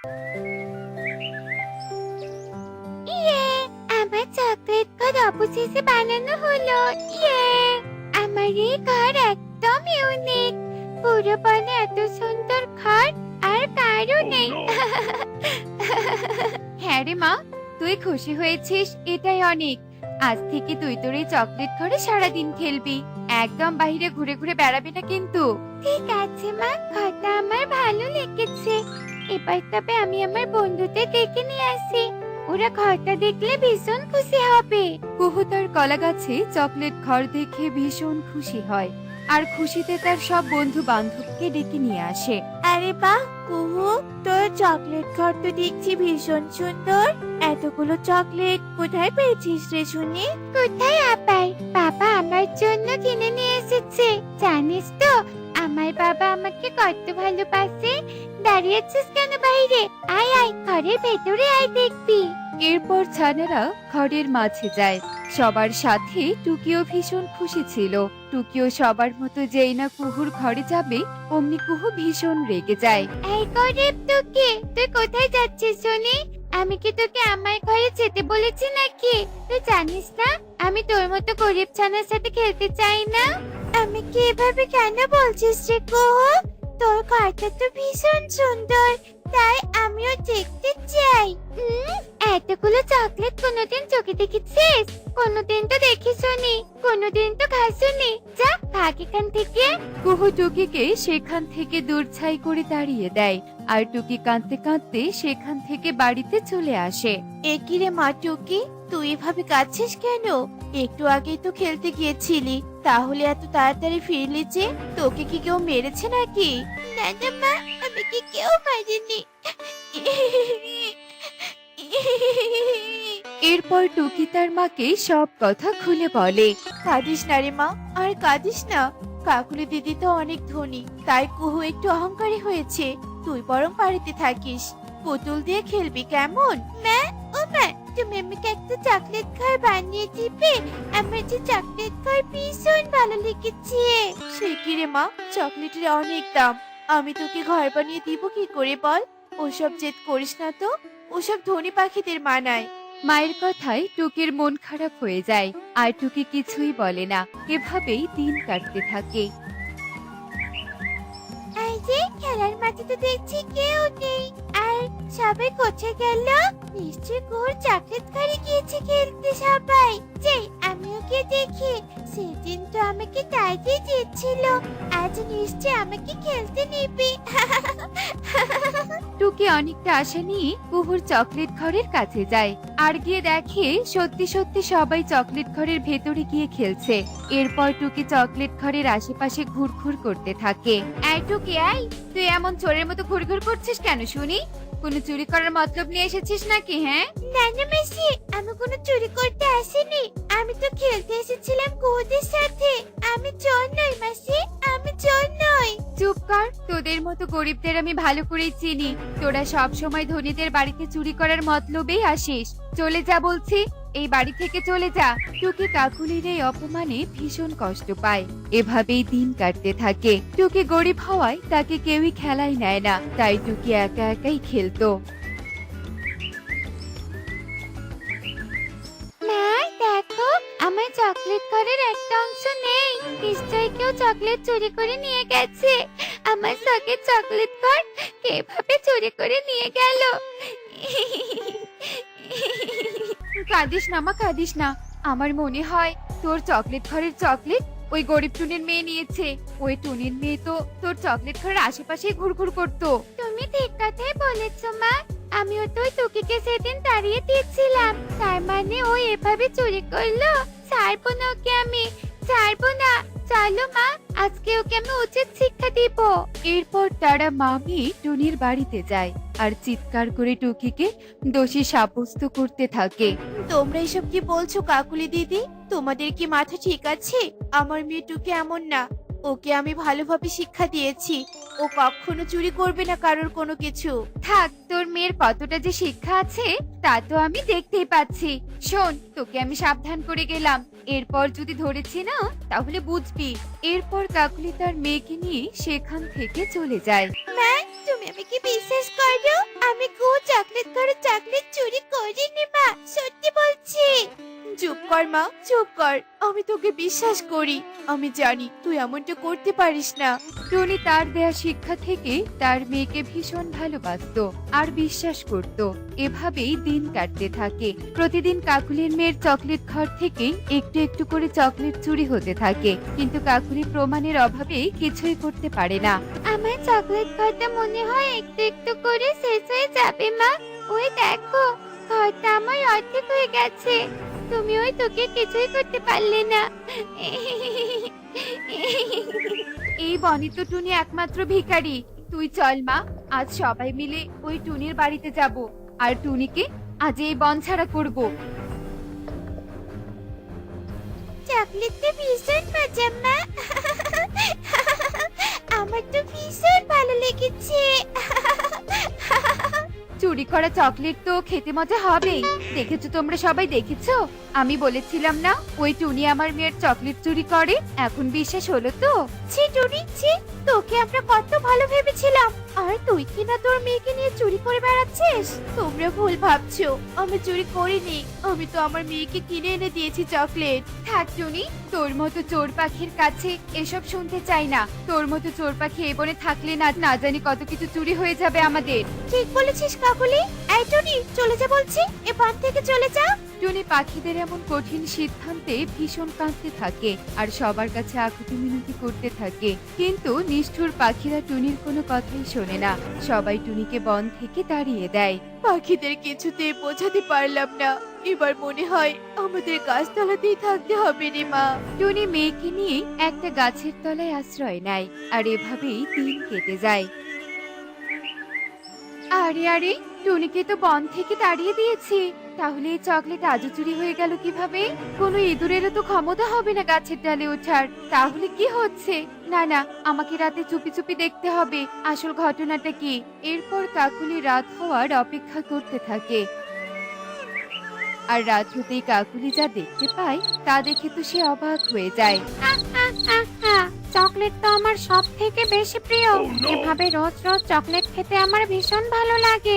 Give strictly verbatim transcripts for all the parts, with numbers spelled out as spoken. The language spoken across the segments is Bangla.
ইয়ে, আমার চকলেট ঘর অবশেষে বানানো হলো। ইয়ে, আমার এই ঘর একদম ইউনিক। পুরো বনে এত সুন্দর ঘর আর কারো নেই। হ্যাঁ রে মা, তুই খুশি হয়েছিস এটাই অনেক। আজ থেকে তুই তোর এই চকলেট ঘরে সারাদিন খেলবি, একদম বাইরে ঘুরে ঘুরে বেড়াবি না কিন্তু। ঠিক আছে মা, ঘরটা আমার ভালো লেগেছে। এবার তবে আমি আমার বন্ধুদের ডেকে নিয়ে আসি, ওরা ঘরটা দেখলে ভীষণ খুশি হবে। কুহু তার কলা গাছে চকলেট ঘর দেখে ভীষণ খুশি হয় আর খুশিতে তার সব বন্ধু বান্ধবকে ডেকে নিয়ে আসে। আরে বাহ কুহু, তোর চকলেট ঘর তো দেখছি ভীষণ সুন্দর। এতগুলো চকলেট কোথায় পেয়েছিস রে শুনি? কোথায় আবার, বাবা আমার জন্য কিনে নিয়ে এসেছে। জানিস তো আমার বাবা আমাকে কত ভালোবাসে। দাঁড়িয়েছিস কেন বাইরে? আয় আয়, ঘরের ভেতরে আয়, দেখবি। এরপর ছানারা ঘরের মাঝে যায়। সবার সাথে টুকিও ভীষণ খুশি ছিল। টুকিও সবার মতো যেই না কুহুর ঘরে যাবে অমনি কুহু ভীষণ রেগে যায়। এই গরিব তোকে, তুই কোথায় যাচ্ছিস শুনি? আমি কি তোকে আমার ঘরে যেতে বলেছি নাকি? তুই জানিস না আমি তোর মতো গরিব ছানার সাথে খেলতে চাই না। আমি কি এভাবে কেন বলছিস রে কুহু? তোর ঘরটা তো ভীষণ সুন্দর, তাই আমিও দেখতে চাই। হুম, এতগুলো চকলেট কোনোদিন চোখে দেখেছিস? কোনোদিন তো দেখিসনি, কোনোদিন তো খাসনি। যা ভাগ এখান থেকে। কুহু টুকিকে সেখান থেকে দূর ছাই করে তাড়িয়ে দেয় আর টুকি কাঁদতে কাঁদতে সেখান থেকে বাড়িতে চলে আসে। এ কি রে মা টুকি, তুই এভাবে কাঁদছিস কেন? একটু আগেই তো খেলতে গিয়েছিলি, তাহলে এত তাড়াতাড়ি ফিরলি যে? তোকে কি কেউ মেরেছে নাকি? না না মা, আমাকে কেউ মারেনি। এরপর টুকি তার মাকে সব কথা খুলে বলে। কাঁদিস না রে মা, আর কাঁদিস না। কাকুলি দিদি তো অনেক ধনী, তাই কুহু একটু অহংকারী হয়েছে। তুই বরং বাড়িতে থাকিস, পুতুল দিয়ে খেলবি কেমন? মা, ও মা, তুমি আমাকে একটা চকলেট ঘর বানিয়ে দিবে? আমার যে চকলেট ঘর ভীষণ ভালো লেগেছে। সে কি রে মা, চকলেটের অনেক দাম। আমি তোকে ঘর বানিয়ে দিব কি করে বল? ওসব জেদ করিস না তো, ওসব ধনী পাখিদের মানায়। মায়ের কথায় টুকির মন খারাপ হয়ে যায় আর টুকি কিছুই বলে না। এভাবেই দিন কাটতে থাকে। এই যে খেলার মাঠে তো দেখছি কেউ নেই, আর সবাই কোথায় গেল? নিশ্চয় কোর চকলেট ঘরে গিয়েছে খেলতে সবাই। যে আমিও গিয়ে দেখি। সেদিন তো আমাকে তাড়িয়ে দিচ্ছিল, আজ নিশ্চয় আমাকে খেলতে নিবি। টুকি অনেকটা আশা নিয়ে কুহুর চকলেট ঘরের কাছে যায় আর গিয়ে দেখে সত্যি সত্যি সবাই চকলেট ঘরের ভেতরে গিয়ে খেলছে। এরপর টুকি চকলেট ঘরের আশেপাশে ঘুরঘুর করতে থাকে। এই টুকি, এই তুই এমন চোরের মতো ঘুরঘুর করছিস কেন শুনি? কোনো চুরি করার মতলব নিয়ে এসেছিস নাকি? হ্যাঁ না না মাসি, আমি কোনো চুরি করতে আসিনি। আমি তো খেলতে এসেছিলাম কুহুদের সাথে। আমি চোর নই মাসি, আমি চোর নই। চুপ কর, তোদের মতো গরিবদের আমি ভালো করেই চিনি। তোরা সব সময় ধনীদের বাড়িতে চুরি করার মতলবেই আসিস। চলে যা বলছি, এই বাড়ি থেকে চলে যা। টুকি কাকুলির এই অপমানে ভীষণ কষ্ট পায়। এভাবেই দিন কাটতে থাকে। টুকি গরিব হওয়ায় তাকে কেউই খেলায় নেয় না, তাই টুকি একা একাই খেলতো। মা দেখো, আমার চকলেট ঘরের একটা অংশ নেই। নিশ্চয়ই কেউ চকলেট চুরি করে নিয়ে গেছে। আমার শখের চকলেট ঘর কিভাবে চুরি করে নিয়ে গেল? কাঁদিস না মা, কাঁদিস না। আমার মনে হয় তোর চকলেট ঘরের চকলেট ওই গরিব টুনির মেয়ে নিয়েছে। ওই টুনির মেয়ে তো তোর চকলেট ঘরের আশেপাশে ঘুরঘুর করতো। তুমি ঠিক কথাই বলেছো মা। আমিও তো ওই টুকিকে সেদিন তাড়িয়ে দিয়েছিলাম, তার মানে ও এভাবে চুরি করলো। ছাড়বো না ওকে, আমি ছাড়বো না। চলো মা, আজকে ওকে আমি উচিত শিক্ষা দিব। এরপর তারা মামি টুনির বাড়িতে যায় আর চিৎকার করে টুকিকে দোষী সাব্যস্ত করতে থাকে। তোমরা এসব কি বলছো কাকুলি দিদি? তোমাদের কি মাথা ঠিক আছে? আমার মেয়ে টুকি এমন না, ওকে আমি ভালোভাবে শিক্ষা দিয়েছি। ও কখনো চুরি করবে না কারোর কোনো কিছু। থাক, তোর মেয়ের কতটা যে শিক্ষা আছে তা তো আমি দেখতেই পাচ্ছি। শোন, তোকে আমি সাবধান করে গেলাম, এরপর যদি ধরেছি না তাহলে বুঝবি। এরপর কাকুলি তার মেয়েকে নিয়ে সেখান থেকে চলে যায়। মা, তুমি আমাকে বিশ্বাস করো? আমি কেউ চকলেট করে চকলেট চুরি করিনি মা, সত্যি বলছি। চুপ কর মা, চুপ কর। আমি তোকে বিশ্বাস করি। আমি জানি তুই এমনটা করতে পারিস না। টনি তার দেয়া শিক্ষা থেকে তার মেয়েকে ভীষণ ভালোবাসতো আর বিশ্বাস করত। এভাবেই দিন কাটতে থাকে। প্রতিদিন কাকুলির মেয়ের চকলেট ঘর থেকে একটু একটু করে চকলেট চুরি হতে থাকে, কিন্তু কাকুলি প্রমাণের অভাবে কিছুই করতে পারে না। আমার চকলেট ঘরটা মনে হয় একটু একটু করে শেষ হয়ে যাবে মা। ওই দেখো, ঘরটা আমার অর্ধেক হয়ে গেছে। তুমি ওই তোকে কিছুই করতে পারলে না। এই বনি তো টুনি একমাত্র ভিখারি। তুই চল মা, আজ সবাই মিলে ওই টুনির বাড়িতে যাব আর টুনিকে আজ এই বন ছাড়া করব। চকলেটটা ভীষণ মজা মা। আমার তো ভীষণ ভালো লেগেছে। চুরি করা চকলেট তো খেতে মজা হবেই। দেখেছো তোমরা সবাই, দেখেছো? আমি বলেছিলাম না ওই টুনি আমার মেয়ের চকলেট চুরি করে? এখন বিশ্বাস হলো তো? ছি টুনি ছি, তোকে আমরা কত ভালো ভেবেছিলাম, আর তুই কিনা তোর মেয়েকে নিয়ে চুরি করে বেড়াচ্ছিস। তোমরা ভুল ভাবছো, আমি চুরি করিনি। আমি তো আমার মেয়েকে কিনে এনে দিয়েছি চকলেট। থাক টুনি, তোর মতো চোর পাখির কাছে এসব শুনতে চাই না। তোর মতো চোর পাখি এ বনে থাকলে না না জানি কত কিছু চুরি হয়ে যাবে আমাদের। ঠিক বলেছিস কাকুলি। এই টুনি, চলে যা বলছি, এ বান থেকে চলে যা। টুনি পাখিদের এমন কঠিন সিদ্ধান্তে ভীষণ কাঁদতে থাকে আর সবার কাছে আকুতি মিনতি করতে থাকে, কিন্তু নিষ্ঠুর পাখিরা টুনির কোনো কথাই শোনে না। সবাই টুনিকে বন থেকে তাড়িয়ে দেয়। পাখিদের কিছুতে বোঝাতে পারলাম না। এবার মনে হয় আমাদের গাছতলাতেই থাকতে হবে রে মা। টুনি মেয়েকে নিয়ে একটা গাছের তলায় আশ্রয় নেয় আর এভাবেই দিন কেটে যায়। আরে আরে, টুনিকে তো বন থেকে তাড়িয়ে দিয়েছি, তাহলে এই চকলেট আজও চুরি হয়ে গেল কিভাবে? কোনো ইঁদুরেরও তো ক্ষমতা হবে না গাছের ডালে ওঠার। তাহলে কি হচ্ছে? না না, আমাকে রাতে চুপি চুপি দেখতে হবে আসল ঘটনাটা কি। এরপর কাকুলি রাত হওয়ার অপেক্ষা করতে থাকে। আর রাত হতেই কাকুলি যা দেখতে পায় তা দেখে তো সে অবাক হয়ে যায়। চকলেট তো আমার সব থেকে বেশি প্রিয়। এভাবে রোজ রোজ চকলেট খেতে আমার ভীষণ ভালো লাগে।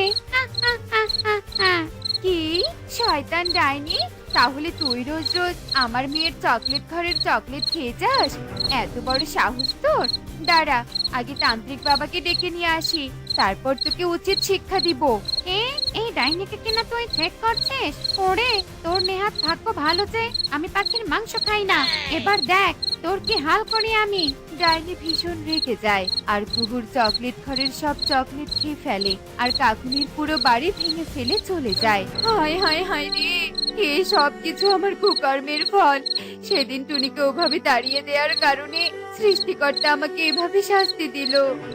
কি শয়তান ডাইনি, তাহলে তুই রোজ রোজ আমার মেয়ের চকলেট ঘরের চকলেট খেয়ে যাস? এত বড় সাহস তোর! দাঁড়া, আগে তান্ত্রিক বাবাকে ডেকে নিয়ে আসি, তারপর তোকে উচিত শিক্ষা দিব। এ এই ডাইনিকে কিনা তুই থ্রেট করছিস? ওরে, তোর নেহাত ভাগ্য ভালো যে আমি পাখির মাংস খাই না। এবার দেখ তোর কি হাল করি আমি। ডাইনি ভীষণ রেগে যায় আর কুহুর চকলেট ঘরের সব চকলেট খেয়ে ফেলে আর কাকুলির পুরো বাড়ি ভেঙে ফেলে চলে যায়। হায় হায় হায় রে, এই সব কিছু আমার কুকর্মের ফল। সেদিন টুনিকে ওভাবে তাড়িয়ে দেওয়ার কারণে সৃষ্টিকর্তা আমাকে এভাবে শাস্তি দিল।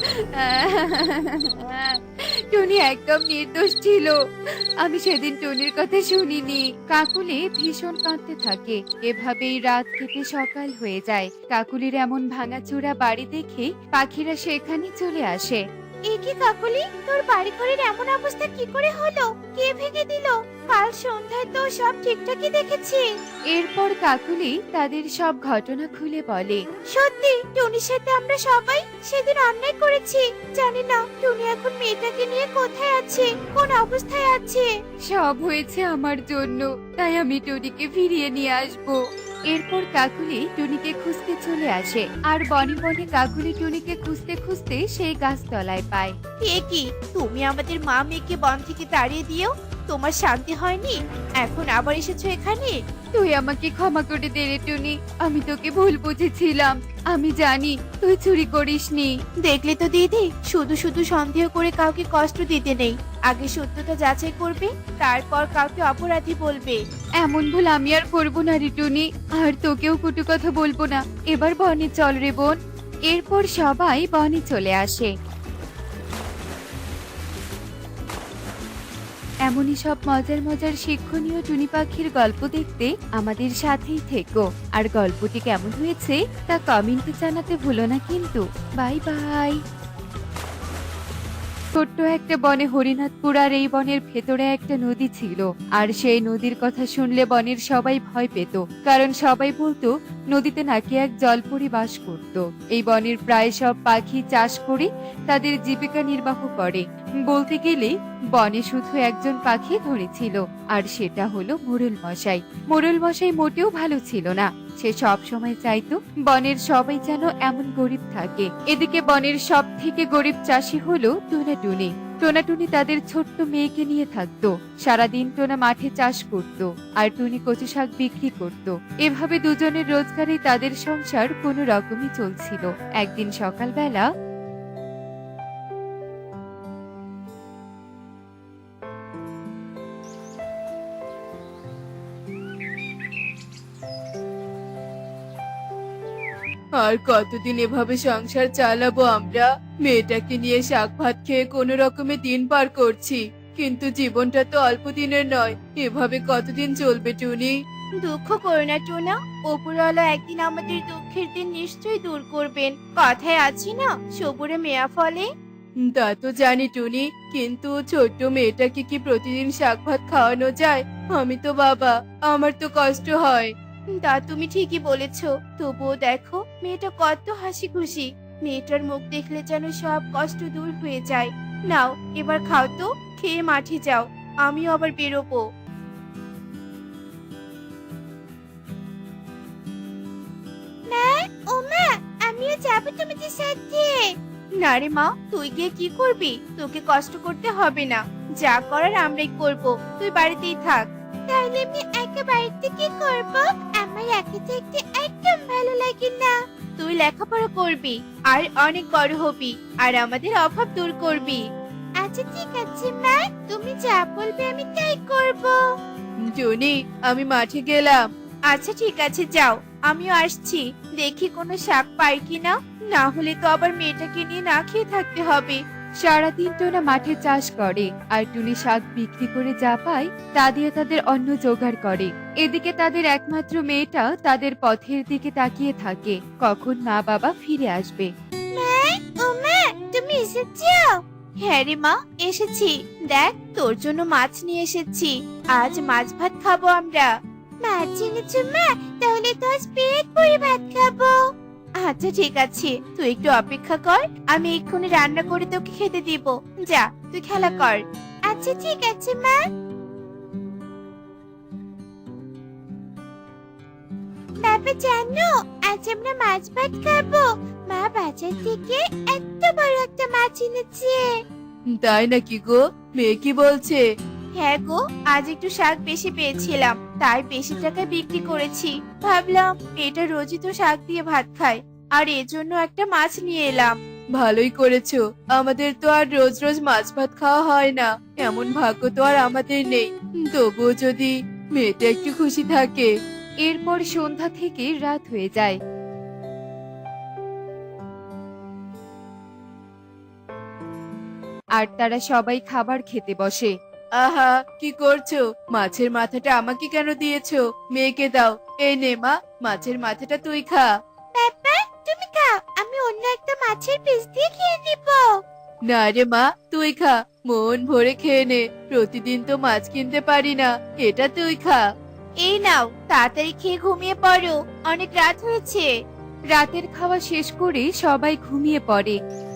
টুনি একদম নির্দোষ ছিল, আমি সেদিন টুনির কথা শুনিনি। কাকুলি ভীষণ কাঁদতে থাকে। এভাবেই রাত কেটে সকাল হয়ে যায়। কাকুলির এমন ভাঙাচোরা বাড়ি দেখে পাখিরা সেখানে চলে আসে। এ কি কাকুলি, তোর বাড়ি ঘরের এমন অবস্থা কি করে হলো? কে ভেঙে দিল? কাল সন্ধ্যায় তো সব ঠিকঠাকই দেখেছি। এরপর কাকুলি তাদের সব ঘটনা খুলে বলে। সত্যি টুনির সাথে আমরা সবাই সেদিন অন্যায় করেছি। জানি না টুনি এখন মেয়েটাকে নিয়ে কোথায় আছে, কোন অবস্থায় আছে। সব হয়েছে আমার জন্য, তাই আমি টুনিকে ফিরিয়ে নিয়ে আসবো। এরপর কাকুলি টুনিকে খুঁজতে চলে আসে আর বনে বনে কাকুলি টুনিকে খুঁজতে খুঁজতে সেই গাছতলায় পায়। এ কি, তুমি আমাদের মা মেয়েকে বন থেকে তাড়িয়ে দিও, তোমার শান্তি হয়নি, এখন আবার এসেছো এখানে? তুই আমাকে ক্ষমা করে দে রে টুনি, আমি তোকে ভুল বুঝেছিলাম। আমি জানি তুই চুরি করিসনি। দেখলে তো দিদি, শুধু শুধু সন্দেহ করে কাউকে কষ্ট দিতে নেই। আগে সত্যতা যাচাই করবে, তারপর কাউকে অপরাধী বলবে। এমন ভুল আমি আর করবো না রে টুনি, আর তোকেও কটু কথা বলবো না। এবার বনে চল রে বোন। এরপর সবাই বনে চলে আসে। এমনই সব মজার মজার শিক্ষণীয় টুনি পাখির গল্প দেখতে আমাদের সাথেই থেকো। আর গল্পটি কেমন হয়েছে তা কমেন্টে জানাতে ভুলো না কিন্তু। Bye bye. ছোট্ট একটা বনে হরিনাথপুর আর এই বনের ভেতরে একটা নদী ছিল। আর সেই নদীর কথা শুনলে বনের সবাই ভয় পেত, কারণ সবাই বলতো নদীতে নাকি এক জলপরি বাস করত। এই বনের প্রায় সব পাখি চাষ করে তাদের জীবিকা নির্বাহ করে। বলতে গেলে বনে শুধু একজন পাখি ধরে ছিল, আর সেটা হলো মোরল মশাই। মোরল মশাই মোটেও ভালো ছিল না। সে সব সময় চাইতো বনের সবাই যেন এমন গরিব থাকে। এদিকে বনের সব থেকে গরিব চাষি হলো টোনাটুনি। টোনাটুনি তাদের ছোট্ট মেয়েকে নিয়ে থাকতো। সারাদিন টোনা মাঠে চাষ করত, আর টুনি কচু শাক বিক্রি করত। এভাবে দুজনের রোজগারে তাদের সংসার কোনো রকমই চলছিল। একদিন সকালবেলা আর কতদিন এভাবে সংসার চালাবো আমরা? মেয়েটাকে নিয়ে শাক ভাত খেয়ে কোনো রকমে দিন পার করছি, কিন্তু জীবনটা তো অল্প দিনের নয়। এভাবে কতদিন চলবে টুনি? দুঃখ করো না টোনা, ওপরওয়ালা একদিন আমাদের দুঃখের দিন নিশ্চয়ই দূর করবেন। কথায় আছি না, সবুরে মেয়া ফলে। তা তো জানি টুনি, কিন্তু ছোট্ট মেয়েটাকে কি প্রতিদিন শাক ভাত খাওয়ানো যায়? আমি তো বাবা, আমার তো কষ্ট হয়। তা তুমি ঠিকই বলেছো, তবুও দেখো মেয়েটা কত হাসি খুশি। মেয়েটার মুখ দেখলে যেন সব কষ্ট দূর হয়ে যায়। নাও এবার খাও তো, খেয়ে মাঠে যাও, আমিও আবার বেরোবো। মা, ও মা, আমিও যাবো তোমাদের সাথে। না রে মা, তুই গিয়ে কি করবি? তোকে কষ্ট করতে হবে না, যা করার আমরাই করব, তুই বাড়িতেই থাক। তাহলে আমি একা বাড়িতে কি করব? আমার একা থাকতে একদম ভালো লাগে না। তুই লেখাপড়া করবি, আর অনেক বড় হবি, আর আমাদের অভাব দূর করবি। আচ্ছা ঠিক আছে মা, তুমি যা বলবে আমি তাই করব। টুনি, আমি মাঠে গেলাম। আচ্ছা ঠিক আছে, যাও, আমিও আসছি। দেখি কোনো শাক পাই কিনা, না হলে তো আবার মেয়েটাকে নিয়ে না খেয়ে থাকতে হবে। সারাদিন টোনা মাঠে চাষ করে, আর টুনি শাক বিক্রি করে যা পায় তা দিয়ে তাদের অন্ন জোগাড় করে। এদিকে তাদের একমাত্র মেয়েটা তাদের পথের দিকে তাকিয়ে থাকে, কখন মা বাবা ফিরে আসবে। মা, ও মা, তুমি এসেছো? হ্যাঁ রে মা, এসেছি। দেখ, তোর জন্য মাছ নিয়ে এসেছি। আজ মাছ ভাত খাবো আমরা। মাছ এনেছো মা? তাহলে তো আজ পেট ভরে ভাত খাবো। আচ্ছা ঠিক আছে, তুই একটু অপেক্ষা কর, আমি এক্ষুনি রান্না করে তোকে খেতে দিব। যা, তুই খেলা কর। আচ্ছা ঠিক আছে মা। বাবা জানো, আজ আমরা মাছ ভাত খাবো। মা বাজার থেকে এত বড় একটা মাছ এনেছে। তাই নাকি গো? মেয়ে কি বলছে? হ্যাঁ গো, আজ একটু শাক বেশি পেয়েছিলাম, তাই বেশি টাকায় বিক্রি করেছি। ভাবলাম এটা রোজই তো শাক দিয়ে ভাত খায়, আর এজন্য একটা মাছ নিয়ে এলাম। ভালোই করেছো, আমাদের তো আর রোজ রোজ মাছ ভাত খাওয়া হয় না, এমন ভাগ্য তো আর আমাদের নেই। তবুও যদি মেয়েটা একটু খুশি থাকে। এরপর সন্ধ্যা থেকে রাত হয়ে যায়। আর তারা সবাই খাবার খেতে বসে। আহা, কি করছো? মাছের মাথাটা আমাকে কেন দিয়েছো? মেয়েকে দাও। এই নে মা, মাছের মাথাটা তুই খা। বাবা তুমি খাও, আমি অন্য একটা মাছের পিস দিয়ে খেয়ে নিব। না রে মা, তুই খা, মন ভরে খেয়ে নে। প্রতিদিন তো মাছ কিনতে পারি না, এটা তুই খা। এই নাও, তাড়াতাড়ি খেয়ে ঘুমিয়ে পড়ো, অনেক রাত হয়েছে। রাতের খাওয়া শেষ করে সবাই ঘুমিয়ে পড়ে।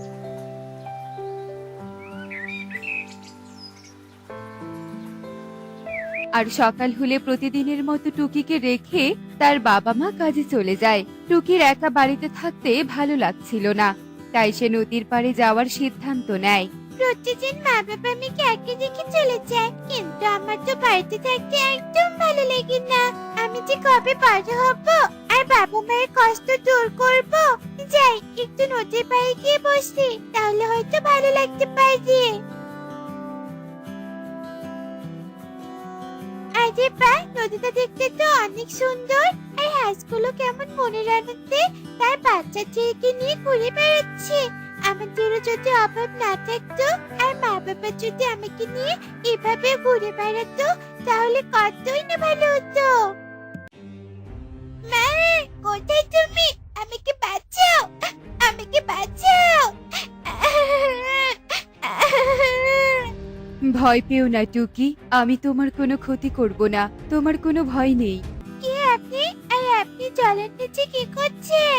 আর সকাল হলে প্রতিদিনের মতো টুকিকে রেখে তার বাবা মা কাজে চলে যায়। টুকির একা বাড়িতে থাকতে ভালো লাগছিল না, তাই সে নদীর পাড়ে যাওয়ার সিদ্ধান্ত নেয়। প্রতিদিন মা বাবা আমাকে একে রেখে চলে যায়, কিন্তু আমার তো বাড়িতে থাকতে একদম ভালো লাগে না। আমি যে কবে বড় হব আর বাবা মায়ের কষ্ট দূর করব। যাই, একটু নদীর পাড়ে গিয়ে বসি, তাহলে হয়তো ভালো লাগতে পারে। আরে বাহ, নদীটা দেখতে তো অনেক সুন্দর, আর হাঁসগুলো কেমন মনের আনন্দে তার বাচ্চা ছেলেকে নিয়ে ঘুরে বেড়াচ্ছে। আমাদেরও যদি অভাব না থাকতো, আর মা বাবা যদি আমাকে নিয়ে এভাবে ঘুরে বেড়াতো, তাহলে কতই না ভালো হতো। মা, কোথায় তুমি? আমাকে বাঁচাও, আমাকে বাঁচাও। ভয় পেও না টুকি, আমি তোমার কোনো ক্ষতি করব না, তোমার কোনো ভয় নেই। কি আপনি আর আপনি জলের নিচে কি করছেন?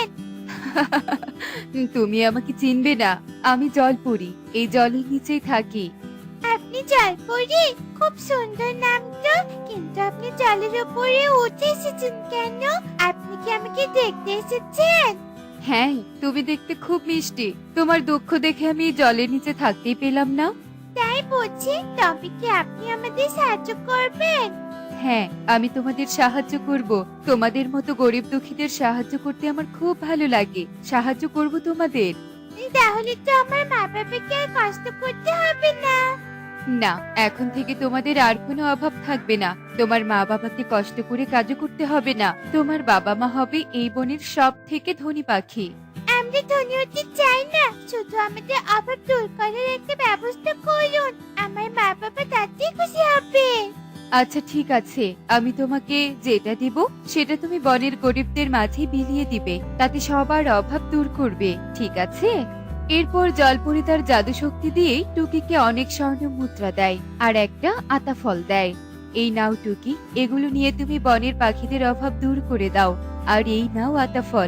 তুমি আমাকে চিনবে না, আমি জলপরি, এই জলের নিচেই থাকি। আপনি জলপরি? খুব সুন্দর নাম তো, কিন্তু আপনি জলের উপরে উঠে এসেছেন কেন? আপনি কি আমাকে দেখতে এসেছেন? হ্যাঁ, তুমি দেখতে খুব মিষ্টি, তোমার দুঃখ দেখে আমি জলের নিচে থাকতেই পেলাম না। তাই বুঝি, তবে কি আপনি আমাদের সাহায্য করবেন? হ্যাঁ, আমি তোমাদের সাহায্য করব, তোমাদের মতো গরিব দুঃখীদের সাহায্য করতে আমার খুব ভালো লাগে, সাহায্য করব তোমাদের। তাহলে তো আমার মা বাবাকে আর কষ্ট করতে হবে না। না, এখন থেকে তোমাদের আর কোনো অভাব থাকবে না, তোমার মা বাবাকে কষ্ট করে কাজও করতে হবে না, তোমার বাবা মা হবে এই বনের সব থেকে ধনী পাখি। আমরা ধনী হতে চাই না, শুধু আমাদের অভাব দূর করার একটা ব্যবস্থা করুন, আমার মা বাবা তাতেই খুশি হবে। আচ্ছা ঠিক আছে, আমি তোমাকে যেটা দিব সেটা তুমি বনের গরিবদের মাঝে বিলিয়ে দিবে, তাতে সবার অভাব দূর করবে, ঠিক আছে? এরপর জলপরি তার জাদু শক্তি দিয়ে টুকিকে অনেক স্বর্ণ মুদ্রা দেয় আর একটা আতা ফল দেয়। এই নাও টুকি, এগুলো নিয়ে তুমি বনের পাখিদের অভাব দূর করে দাও, আর এই নাও আতা ফল।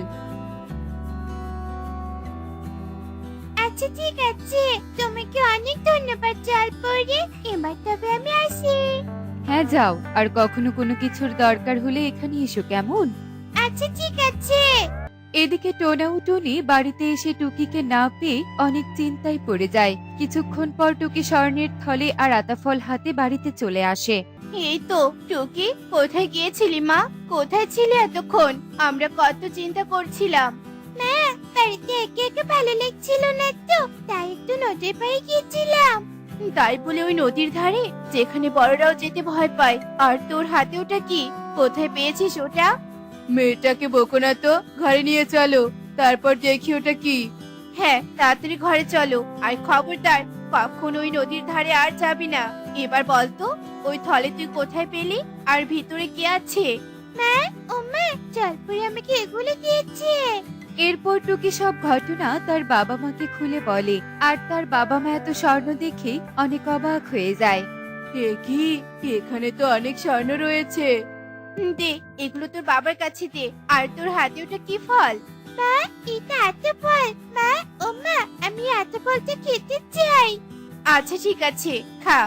আচ্ছা ঠিক আছে, তোমাকে অনেক ধন্যবাদ জলপরি, এবার তবে আমি আসি। হ্যাঁ যাও, আর কখনো কোনো কিছুর দরকার হলে এখানে এসো, কেমন? আচ্ছা ঠিক আছে। এদিকে টোনা ও টনি বাড়িতে এসে টুকিকে না পেয়ে অনেক চিন্তায় পড়ে যায়। কিছুক্ষণ পর টুকি স্বর্ণের থলে আর আতাফল হাতে বাড়িতে চলে আসে। এই তো টুকি, কোথায় গিয়েছিলি মা? কোথায় ছিলে এতক্ষণ? আমরা কত চিন্তা করছিলাম। মা, বাড়িতে একে একে ভালো লাগছিল না তো, তাই একটু নদীর পাড়ে গিয়েছিলাম। তাই বলে ওই নদীর ধারে, যেখানে বড়রাও যেতে ভয় পায়? আর তোর হাতে ওটা কি? কোথায় পেয়েছিস ওটা? মেয়েটাকে বকো না তো, ঘরে নিয়ে চলো, তারপর দেখি ওটা কি। হ্যাঁ, তাড়াতাড়ি ঘরে চলো, আর খবরদার কখনো ওই নদীর ধারে আর যাবি না। এবার বলতো, ওই থলে তুই কোথায় পেলি, আর ভিতরে কি আছে? মা, ও মা, জলপরি আমাকে এগুলো দিয়েছে। এরপর টুকি সব ঘটনা তার বাবা মাকে খুলে বলে, আর তার বাবা মা এত স্বর্ণ দেখে অনেক অবাক হয়ে যায়। এ কি, এখানে তো অনেক স্বর্ণ রয়েছে। হুম, দে, এগুলো তোর বাবার কাছে দে। আর তোর হাতে ওটা কি ফল? মা, এটা আতা ফল। মা, ও মা, আমি আতা ফলটা খেতে চাই। আচ্ছা ঠিক আছে, খা।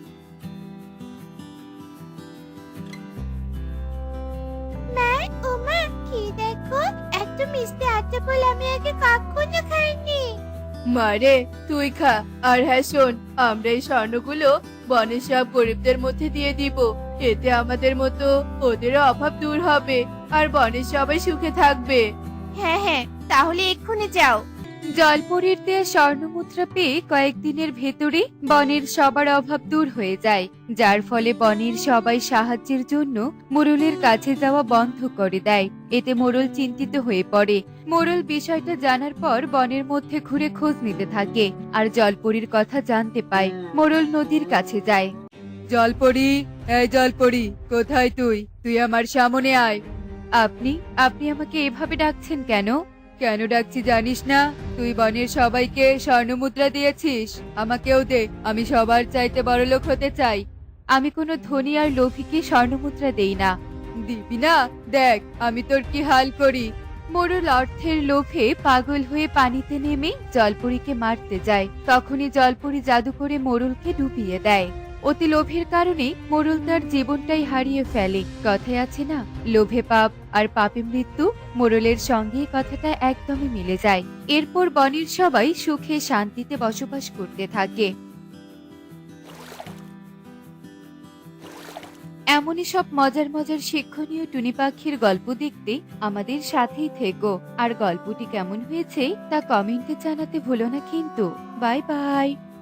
মা, ও মা, কি দেখো, এত মিষ্টি আতা ফল আমি আগে কখনো খাইনি। মারে, তুই খা। আর হ্যাঁ শোন, আমরা এই স্বর্ণগুলো বনের সব গরিবদের মধ্যে দিয়ে দিব, এতে আমাদের মতো ওদেরও অভাব দূর হবে, আর বনের সবাই সুখে থাকবে। হ্যাঁ হ্যাঁ, তাহলে এক্ষুনি যাও। জলপরীর দেয়া স্বর্ণমুদ্রা পেয়ে কয়েকদিনের ভেতরে বনের সবার অভাব দূর হয়ে যায়, যার ফলে বনের সবাই সাহায্যের জন্য মোরলের কাছে যাওয়া বন্ধ করে দেয়। এতে মোরল চিন্তিত হয়ে পড়ে। মোরল বিষয়টা জানার পর বনের মধ্যে ঘুরে খোঁজ নিতে থাকে আর জলপরীর কথা জানতে পায়। মোরল নদীর কাছে যায়। জলপরি, এই জলপরি, কোথায় তুই? তুই আমার সামনে আয়। আপনি আপনি আমাকে এভাবে ডাকছেন কেন? কেন ডাকছি জানিস না? তুই বনের সবাইকে স্বর্ণমুদ্রা দিয়েছিস, আমাকেও দে, আমি সবার চাইতে বড়লোক হতে চাই। আমি কোনো ধনী আর লোভীকে স্বর্ণমুদ্রা দেই না। দিবি না? দেখ আমি তোর কি হাল করি। মোরল অর্থের লোভে পাগল হয়ে পানিতে নেমে জলপরীকে মারতে যায়। তখনই জলপরী জাদু করে মোরলকে ডুবিয়ে দেয়। অতি লোভের কারণে মোরল তার জীবনটাই হারিয়ে ফেলে। কথায় আছে না, লোভে পাপ আর পাপে মৃত্যু। মোরলের সঙ্গে এই কথাটা একদমই মিলে যায়। এরপর বনের সবাই সুখে শান্তিতে বসবাস করতে থাকে। এমনই সব মজার মজার শিক্ষণীয় টুনি পাখির গল্প দেখতে আমাদের সাথেই থেকো। আর গল্পটি কেমন হয়েছে তা কমেন্টে জানাতে ভুলো না কিন্তু। Bye by.